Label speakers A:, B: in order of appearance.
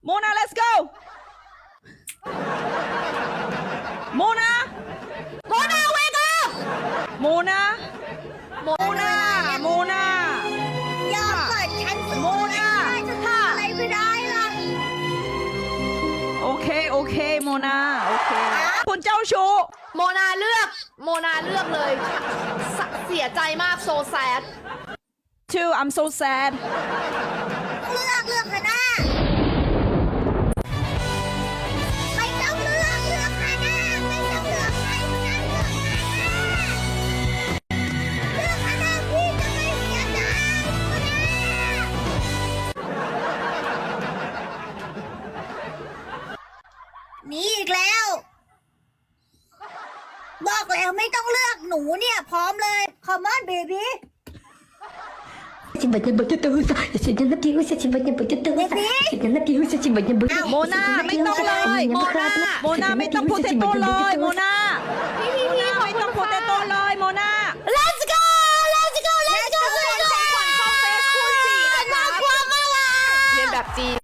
A: โมนา let's go โมนา
B: wake up
A: โมนา โมนา โมนา
B: อย่าเปิดฉันสู้
A: โมนา
B: จะทำอะไรไม่ได้ล่ะ
A: โอเค โอเค โมนา โอเค คุณเจ้าชู้
C: โมนาเลือกเลยเสียใจมากโซแซด
A: too I'm so sad
B: เลือกเถอะนะไม่ต้องเลือกเถอะนะไม่ต้องเลือกใครทั้งนั้นเลือกนะพี่จะไม่เสียใจหนีอีกแล้ว บอกแล้วไม่ต้องเลือกหนูเนี่ยพร้อมเลย Come on baby
D: Сегодня будет туса, я сегодня напьюсь, сегодня будет туса, сегодня напьюсь, сегодня будет туса.
A: โมนาไม่ต้องเลย โมนาไม่ต้องโพเตโต้เลย โมนา โมนาไม่ต้องโพเตโต้เลย โมนา
B: Let's go Let's go Let's go
C: ของขวัญเข้าเฟซคูณ4นะคะ
B: น่ากลัวมากอ่ะ
C: เรียนแบบจีน